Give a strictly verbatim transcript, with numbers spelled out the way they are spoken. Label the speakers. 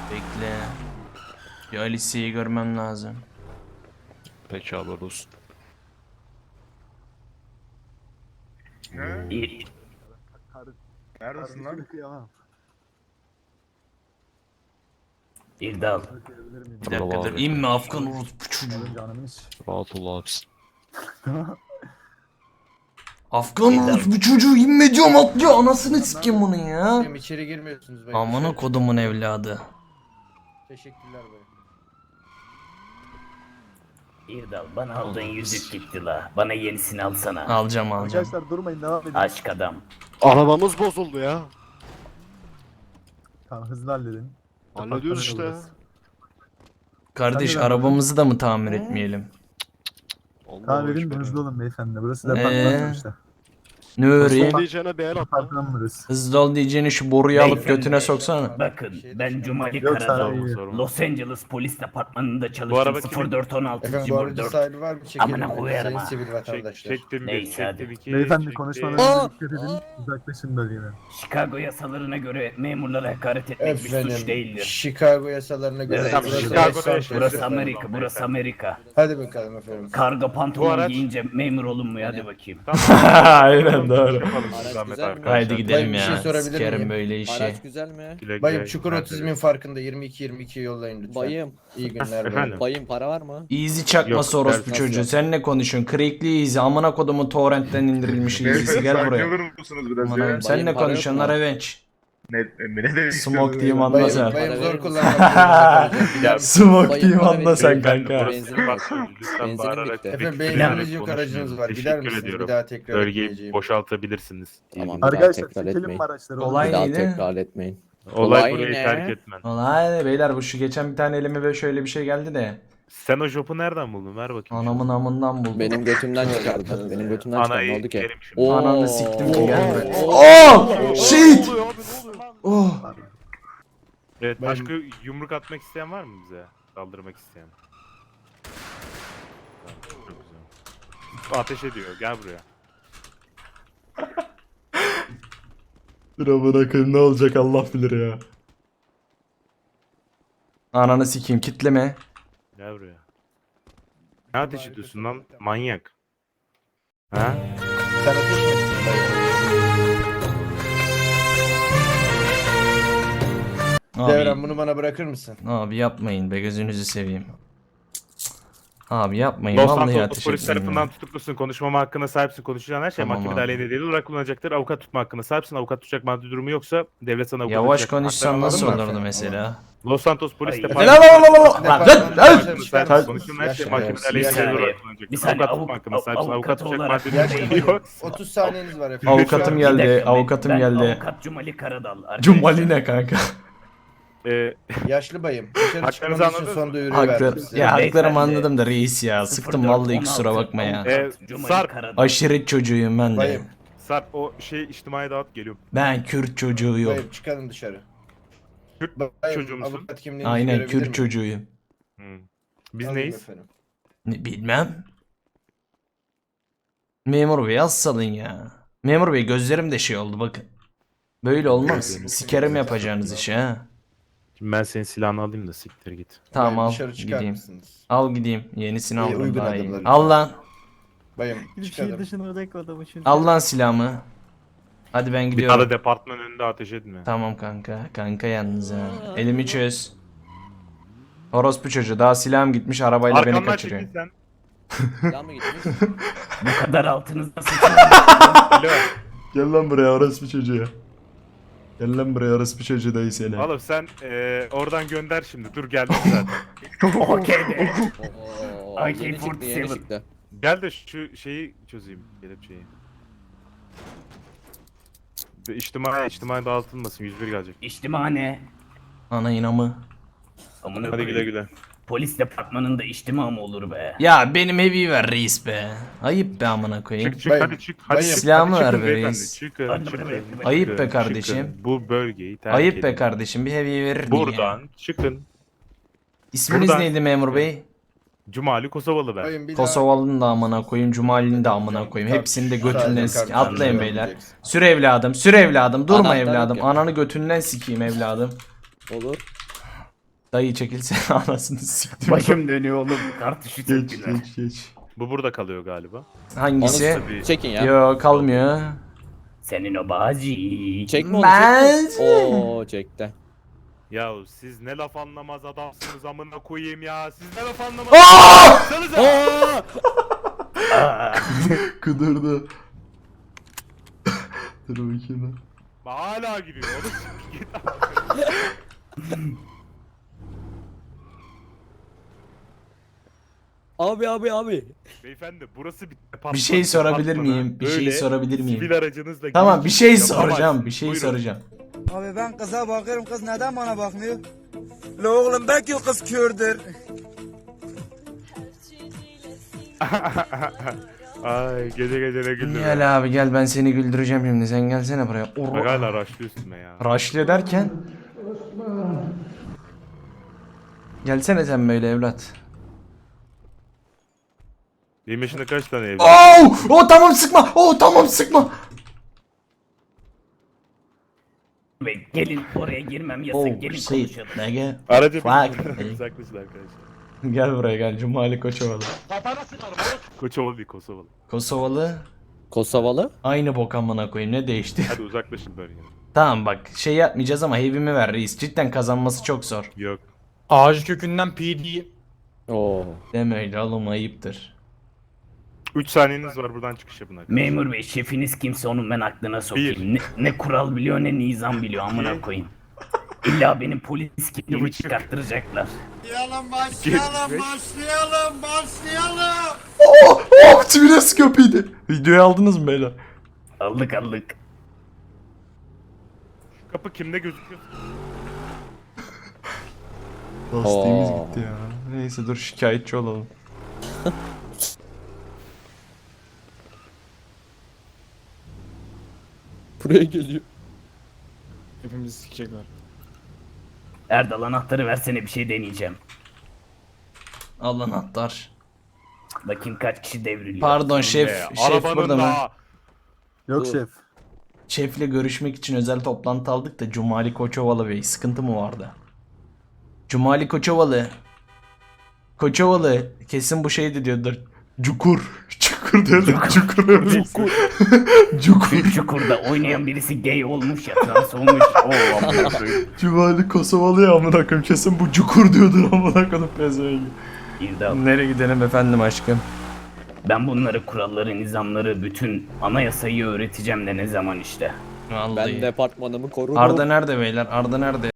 Speaker 1: Bekle. Bir Alice'yi görmem lazım.
Speaker 2: Peki haber olsun.
Speaker 3: İyi.
Speaker 4: Neredesin lan?
Speaker 3: İrdal.
Speaker 1: Bir dakika dur. İnme Afgan orospu çocuğu.
Speaker 2: Rahat ol abisi.
Speaker 1: Afgan orospu çocuğu inme diyorum atlıyor. Anasını sikeyim bunun ya.
Speaker 5: Hocam içeri girmiyorsunuz. Ben
Speaker 1: Amına
Speaker 5: dışarı
Speaker 1: kodumun evladı.
Speaker 5: Teşekkürler bey.
Speaker 3: İrdal bana aldığın yüzük gitti la. Bana yenisini alsana.
Speaker 1: Alacağım alacağım.
Speaker 6: Arkadaşlar durmayın, devam edin.
Speaker 3: Aşk adam.
Speaker 2: Arabamız bozuldu ya.
Speaker 6: Tamam, hızlı halledin.
Speaker 2: Hallediyoruz işte ya.
Speaker 1: Kardeş
Speaker 6: Sen de
Speaker 1: arabamızı da mı tamir etmeyelim?
Speaker 2: Allah
Speaker 6: Tamam edin de
Speaker 2: aşkına.
Speaker 6: hızlı olun beyefendi. Burası da
Speaker 1: Ee?
Speaker 6: apartman sonuçta.
Speaker 1: Nuri.
Speaker 2: Son diyeceğine bir el at lan.
Speaker 6: Apartman burası.
Speaker 1: Hızlı ol diyeceğini şu boruyu alıp
Speaker 3: Beyefendi.
Speaker 1: götüne soksana.
Speaker 3: Bakın ben Cumali
Speaker 6: Yok,
Speaker 3: Karadal.
Speaker 6: sen iyi.
Speaker 3: Los Angeles Polis Departmanı'nda
Speaker 2: araba
Speaker 3: çalıştım.
Speaker 2: kimin?
Speaker 3: sıfır dört on altı
Speaker 5: Efendim bu aracı
Speaker 3: dört.
Speaker 5: sahibi var mı? Çekelim.
Speaker 3: Amına
Speaker 5: Sayın
Speaker 3: koyarım ha.
Speaker 5: sivil vatandaşlar.
Speaker 7: Çektim bir,
Speaker 3: Neyse, hadi.
Speaker 7: çektim iki.
Speaker 6: Beyefendi
Speaker 7: çektim.
Speaker 6: konuşmalarınıza dikkat edin. Uzaklaşın bölgeden.
Speaker 3: Chicago yasalarına göre memurlara hakaret etmek bir suç
Speaker 5: Efendim
Speaker 3: değildir.
Speaker 5: Chicago yasalarına göre.
Speaker 3: Evet,
Speaker 5: burası
Speaker 7: Chicago'da
Speaker 5: Los Santos.
Speaker 7: yaşıyoruz.
Speaker 3: Burası Amerika, burası Amerika.
Speaker 5: Hadi bakalım efendim.
Speaker 3: Karga
Speaker 7: Bu
Speaker 3: pantolon
Speaker 7: araç-
Speaker 3: giyince memur olunmuyor, hadi bakayım.
Speaker 1: Aynen doğru.
Speaker 7: Yapalım siz
Speaker 8: Araç
Speaker 7: zahmet
Speaker 8: güzel mi?
Speaker 7: arkadaşlar.
Speaker 1: Haydi gidelim
Speaker 5: bir
Speaker 1: ya.
Speaker 5: şey sorabilir
Speaker 1: Sikerim
Speaker 5: miyim?
Speaker 1: böyle işi.
Speaker 8: Araç güzel mi?
Speaker 7: Güle güle,
Speaker 5: Bayım çukur
Speaker 7: güle
Speaker 5: otizmin
Speaker 7: güle.
Speaker 5: farkında yirmi iki yirmi iki yollayın lütfen.
Speaker 8: Bayım.
Speaker 5: İyi günler
Speaker 7: Efendim?
Speaker 5: bayım.
Speaker 8: Bayım para var mı?
Speaker 1: Easy çakması
Speaker 7: Yok,
Speaker 1: orospu
Speaker 7: ders-
Speaker 1: çocuğu.
Speaker 8: Nasıl?
Speaker 1: Sen ne konuşuyorsun? Crackli Easy. Amına kodumun torrentten indirilmiş Easy'si gel buraya.
Speaker 4: olur musunuz biraz
Speaker 1: Amına,
Speaker 4: ya?
Speaker 1: sen ne
Speaker 8: Bayım, para
Speaker 1: konuşuyorsun?
Speaker 8: yok mu?
Speaker 1: Revenge.
Speaker 4: Ne, ne demek
Speaker 1: Smoke
Speaker 4: istiyorsun
Speaker 1: diyeyim
Speaker 4: ya?
Speaker 1: anla
Speaker 5: Bayım,
Speaker 1: sen.
Speaker 5: bayım
Speaker 8: Para
Speaker 5: zor
Speaker 8: verir
Speaker 5: kullanmak
Speaker 8: misin?
Speaker 5: zorunda kalacağım.
Speaker 1: Smoke
Speaker 8: Bayım,
Speaker 1: diyeyim
Speaker 8: para
Speaker 1: anla
Speaker 8: verir
Speaker 1: sen
Speaker 8: misin?
Speaker 1: kanka.
Speaker 8: Benzin
Speaker 7: Bak,
Speaker 8: var.
Speaker 7: lütfen
Speaker 8: Benzinim
Speaker 7: bağırarak
Speaker 8: bitti.
Speaker 7: tebrik
Speaker 5: Efendim
Speaker 7: ederek
Speaker 5: beyniniz yük
Speaker 7: konuşmayın.
Speaker 5: aracınız var. Gider
Speaker 7: Teşekkür
Speaker 5: misiniz?
Speaker 7: ediyorum.
Speaker 5: Bir daha tekrar
Speaker 7: Bölgeyi
Speaker 5: etmeyeceğim.
Speaker 7: boşaltabilirsiniz. İyi
Speaker 8: Tamam.
Speaker 7: günler.
Speaker 8: Bir daha
Speaker 6: Arkadaşlar
Speaker 8: tekrar
Speaker 6: çekelim
Speaker 8: etmeyin.
Speaker 6: mi araçları?
Speaker 1: Olay
Speaker 8: Bir daha
Speaker 1: neydi?
Speaker 8: tekrar etmeyin.
Speaker 7: Olay
Speaker 8: Olay
Speaker 7: burayı
Speaker 8: ne?
Speaker 7: terk etmen.
Speaker 1: Olay beyler bu şu geçen bir tane elime böyle şöyle bir şey geldi de.
Speaker 7: Sen o jopu nereden buldun? Ver bakayım.
Speaker 1: Anamın amından buldum.
Speaker 8: Benim götümden çıkardı. Benim götümden çıkardı. Ne
Speaker 7: Anayı
Speaker 8: oldu ki?
Speaker 7: yerim şimdi.
Speaker 8: Oo.
Speaker 1: Ananı siktim ki
Speaker 8: Oo.
Speaker 1: gelme.
Speaker 8: Oo.
Speaker 1: Oh! Shit!
Speaker 2: Ne oluyor abi ne oluyor?
Speaker 1: Oh!
Speaker 7: Evet,
Speaker 5: Ben-
Speaker 7: başka yumruk atmak isteyen var mı bize? Saldırmak isteyen. Tamam, çok güzel. Ateş ediyor. Gel buraya.
Speaker 1: Dur amına koyayım ne olacak Allah bilir ya. Ananı sikeyim kitleme.
Speaker 7: Gel buraya. Ne ateş ediyorsun lan? Manyak. Ha?
Speaker 5: Sen ateş mi ettin bayım? Devran
Speaker 1: Abi,
Speaker 5: bunu bana bırakır mısın?
Speaker 1: abi yapmayın be gözünüzü seveyim. Abi yapmayın
Speaker 7: Los
Speaker 1: vallahi
Speaker 7: Santos
Speaker 1: ateş
Speaker 7: polis
Speaker 1: etmeyin
Speaker 7: tarafından
Speaker 1: ya.
Speaker 7: tutuklusun. Konuşmama hakkına sahipsin. Konuşacağın her şey
Speaker 1: Tamam
Speaker 7: mahkemede
Speaker 1: abi.
Speaker 7: aleyhine delil olarak kullanacaktır. Avukat tutma hakkına sahipsin. Avukat tutacak maddi durumu yoksa devlet sana avukat
Speaker 1: Yavaş
Speaker 7: tutacak.
Speaker 1: konuşsan
Speaker 7: Haklarını
Speaker 1: nasıl
Speaker 7: anladın mı?
Speaker 1: olurdu mesela?
Speaker 7: Los Santos polis
Speaker 3: Ay.
Speaker 7: departmanı.
Speaker 1: Lan lan lan lan lan! Lan lan lan!
Speaker 7: Hakkını sahipsin. Konuşacağın her şey
Speaker 5: Yaşa,
Speaker 7: mahkemede
Speaker 5: yaşa.
Speaker 7: aleyhine
Speaker 3: Bir
Speaker 7: delil
Speaker 3: saniye.
Speaker 7: olarak
Speaker 3: Bir
Speaker 7: kullanacaktır.
Speaker 3: saniye,
Speaker 7: Avukat tutma
Speaker 3: avuk-
Speaker 7: hakkına sahipsin.
Speaker 3: avukat
Speaker 7: Avukat tutacak
Speaker 3: olarak-
Speaker 7: maddi
Speaker 5: Yaşa
Speaker 7: durumu yok.
Speaker 5: otuz saniyeniz var efendim.
Speaker 1: Avukatım
Speaker 5: Şu an-
Speaker 1: geldi,
Speaker 3: Bir dakika, ben-
Speaker 1: avukatım
Speaker 3: ben
Speaker 1: geldi.
Speaker 3: Avukat Cumali Karadal. arkadaşlar.
Speaker 1: Cumali ne kanka?
Speaker 7: Ee,
Speaker 5: Yaşlı bayım. Dışarı
Speaker 7: Haklarınızı
Speaker 5: çıkmanız için
Speaker 7: anladınız
Speaker 5: son
Speaker 7: mı?
Speaker 5: duyuruyu verdim
Speaker 1: Haklı.
Speaker 5: size.
Speaker 1: Ya haklarımı
Speaker 3: Beyefendi.
Speaker 1: anladım da reis ya. Sıktım vallahi kusura bakma ya.
Speaker 7: Ee,
Speaker 3: Cumali
Speaker 7: Sarp.
Speaker 3: Karadal.
Speaker 1: Aşiret çocuğuyum ben de.
Speaker 5: Bayım.
Speaker 7: Sarp o şey içtimai dağıt geliyorum.
Speaker 1: Ben Kürt çocuğuyum.
Speaker 5: Bayım çıkalım dışarı.
Speaker 7: Kürt
Speaker 5: Bayım,
Speaker 7: çocuğu musun?
Speaker 5: avukat kimliğinizi
Speaker 1: Aynen
Speaker 5: görebilir
Speaker 1: Kürt
Speaker 5: miyim?
Speaker 1: çocuğuyum.
Speaker 7: Hmm. Biz
Speaker 5: Alayım
Speaker 7: neyiz?
Speaker 5: efendim.
Speaker 1: Ne, bilmem. Memur bey az salın ya. Memur bey gözlerim de şey oldu bakın. Böyle olmaz. Sikerim yapacağınız işi ha.
Speaker 7: Şimdi ben senin silahını alayım da siktir git.
Speaker 1: Tamam
Speaker 5: Bayım,
Speaker 1: al
Speaker 5: dışarı çıkar
Speaker 1: gideyim.
Speaker 5: mısınız?
Speaker 1: Al gideyim. Yenisini
Speaker 5: İyi,
Speaker 1: aldım
Speaker 5: uygun
Speaker 1: daha iyi.
Speaker 5: adımlar.
Speaker 1: Al lan.
Speaker 5: Bayım
Speaker 6: Şehir
Speaker 5: çıkalım.
Speaker 6: dışına bırak adamı şimdi.
Speaker 1: Al lan silahımı. Hadi ben
Speaker 7: Bir
Speaker 1: gidiyorum.
Speaker 7: tane departman önünde ateş etme.
Speaker 1: Tamam kanka. Kanka yalnız ha. Elimi çöz. Orospu çocuğu daha silahım gitmiş arabayla beni
Speaker 7: Arkamdan
Speaker 1: kaçırıyor.
Speaker 7: çekil sen.
Speaker 8: Silah mı gitmiş?
Speaker 3: Bu kadar altınızda sıçan.
Speaker 7: Alo.
Speaker 1: Gel lan buraya orospu çocuğu. Gel lan buraya orospu çocuğu dayı seni.
Speaker 7: Oğlum sen eee, oradan gönder şimdi. Dur geldim zaten.
Speaker 3: Okey be.
Speaker 8: Oo,
Speaker 3: A K
Speaker 8: yeni çıktı
Speaker 3: kırk
Speaker 8: yeni
Speaker 3: yedi.
Speaker 8: çıktı.
Speaker 7: Gel de şu şeyi çözeyim. Kelepçeyi. Bir İçtimai, içtimai dağıtılmasın. yüz bir gelecek.
Speaker 3: İçtimane.
Speaker 1: Ana inamı.
Speaker 3: Amına
Speaker 7: Hadi güle
Speaker 3: koyayım.
Speaker 7: güle.
Speaker 3: Polis departmanında içtima mı olur be?
Speaker 1: Ya benim heavy ver reis be. Ayıp be amına koyayım.
Speaker 7: Çık çık
Speaker 5: Bayım,
Speaker 7: hadi çık. Hadi
Speaker 5: bayım.
Speaker 7: çık.
Speaker 1: Silahımı
Speaker 7: hadi
Speaker 1: ver
Speaker 7: çıkın
Speaker 1: be
Speaker 7: beyefendi,
Speaker 1: reis.
Speaker 7: Çıkın
Speaker 3: Hadi
Speaker 7: çıkın.
Speaker 3: bayım, bayım.
Speaker 1: Ayıp be
Speaker 7: çıkın,
Speaker 1: kardeşim.
Speaker 7: çıkın. Bu bölgeyi terk
Speaker 1: Ayıp be
Speaker 7: edin.
Speaker 1: kardeşim bir heavy verir miyim ya?
Speaker 7: Buradan çıkın.
Speaker 1: İsminiz
Speaker 7: buradan-
Speaker 1: neydi memur bey?
Speaker 7: Cumali Kosovalı ben.
Speaker 5: Bayım bir daha-
Speaker 1: Kosovalı'nın da amına koyayım, Cumali'nin de amına koyayım. Hepsini de götünden
Speaker 5: Sadece
Speaker 1: sik.
Speaker 5: kardeşim
Speaker 1: Atlayın
Speaker 5: devam
Speaker 1: beyler.
Speaker 5: edeceksin.
Speaker 1: Sür evladım, sür evladım. Durma
Speaker 8: Anahtarlık
Speaker 1: evladım.
Speaker 8: yap.
Speaker 1: Ananı götünden sikeyim evladım.
Speaker 8: Olur.
Speaker 1: Dayı çekilsene anasını siktim.
Speaker 3: Başım dönüyor oğlum. Kartuşu
Speaker 1: Geç
Speaker 3: çektiler.
Speaker 1: geç geç.
Speaker 7: Bu burada kalıyor galiba.
Speaker 1: Hangisi?
Speaker 7: Tabii.
Speaker 8: Çekin ya.
Speaker 1: Yo kalmıyor.
Speaker 3: Senin o bağcı.
Speaker 8: Çekme onu
Speaker 1: Ben-
Speaker 8: çekme. Oo çekti.
Speaker 7: Ya siz ne laf anlamaz adamsınız amına koyayım ya. Siz ne laf anlamaz
Speaker 1: Aa!
Speaker 7: adamsınız ya.
Speaker 3: Aa,
Speaker 1: Kudurdu. Dur bakayım.
Speaker 7: Hala giriyor oğlum. Git.
Speaker 8: Abi abi abi.
Speaker 7: Beyefendi burası bir
Speaker 1: Bir şey sorabilir miyim? Bir şey
Speaker 7: Böyle
Speaker 1: sorabilir miyim?
Speaker 7: Sivil aracınızla
Speaker 1: Tamam
Speaker 7: girip
Speaker 1: bir şey
Speaker 7: yapamazsınız.
Speaker 1: soracağım. Bir şey
Speaker 7: Buyurun.
Speaker 1: soracağım.
Speaker 9: Abi ben kıza bakıyorum, kız neden bana bakmıyor? La oğlum belki o kız kördür.
Speaker 7: Ay gece gece ne güldüm. ya.
Speaker 1: Gel abi gel ben seni güldüreceğim şimdi. Sen gelsene buraya.
Speaker 7: Bak hala raşlıyor üstüme ya.
Speaker 1: Raşlı derken. Gelsene sen böyle evlat.
Speaker 7: Benim yaşında kaç tane evli?
Speaker 1: Oh! Oh tamam sıkma. Oh tamam sıkma.
Speaker 3: Ve gelin oraya girmem yasak.
Speaker 1: Oh
Speaker 3: gelin
Speaker 1: shit.
Speaker 3: konuşalım.
Speaker 1: Nege.
Speaker 7: Aracı
Speaker 1: Fuck.
Speaker 7: bir uzaklaşın arkadaşlar.
Speaker 1: Gel buraya gel. Cumali Koçovalı.
Speaker 7: Koçova bir Kosovalı.
Speaker 1: Kosovalı.
Speaker 8: Kosovalı.
Speaker 1: Aynı bok amına koyayım. Ne değişti?
Speaker 7: Hadi uzaklaşın bölgeden.
Speaker 1: Tamam bak şey yapmayacağız ama heavy'mi ver reis. Cidden kazanması çok zor.
Speaker 7: Yok.
Speaker 10: Ağacı kökünden P D.
Speaker 8: Oo.
Speaker 1: Deme öyle oğlum ayıptır.
Speaker 7: üç saniyeniz var buradan çıkış yapın arkadaşlar.
Speaker 3: Memur bey şefiniz kimse onun ben aklına sokayım.
Speaker 7: Bir.
Speaker 3: Ne, ne kural biliyor ne nizam biliyor amına koyayım. İlla benim polis kimliğimi
Speaker 7: buçuk.
Speaker 3: çıkarttıracaklar.
Speaker 9: Başlayalım, başlayalım, başlayalım, başlayalım.
Speaker 1: Oh! Oh! Tüyres köpeğiydi. Videoyu aldınız mı beyler?
Speaker 3: Aldık aldık.
Speaker 7: Kapı kimde gözüküyor?
Speaker 1: Lastiğimiz
Speaker 8: Oo.
Speaker 1: gitti ya. Neyse dur şikayetçi olalım.
Speaker 8: Buraya geliyor.
Speaker 10: Hepimizi sikecekler.
Speaker 3: Erdal anahtarı versene bir şey deneyeceğim.
Speaker 1: Al anahtar.
Speaker 3: Bakayım kaç kişi devriliyor.
Speaker 1: Pardon şef.
Speaker 7: Ee,
Speaker 1: Şef
Speaker 7: arabanın
Speaker 1: burada mı?
Speaker 7: daha-
Speaker 6: Yok
Speaker 8: Dur.
Speaker 6: şef.
Speaker 1: Şefle görüşmek için özel toplantı aldık da Cumali Koçovalı Bey sıkıntı mı vardı? Cumali Koçovalı. Koçovalı kesin bu şeydi diyordur. Cukur. Cukur diyordur. Cukur. Cukur. Cukur.
Speaker 3: Çukurda oynayan birisi gay olmuş ya trans olmuş. Oo amına koyayım.
Speaker 1: Cumali Kosovalı ya amına koyayım kesin bu cukur diyordur amına koyayım pezevengi.
Speaker 3: İrdal.
Speaker 1: Nereye gidelim efendim aşkım?
Speaker 3: Ben bunları kuralları, nizamları, bütün anayasayı öğreteceğim de ne zaman işte.
Speaker 1: Vallahi.
Speaker 8: Ben departmanımı korurum.
Speaker 1: Arda nerede beyler? Arda nerede?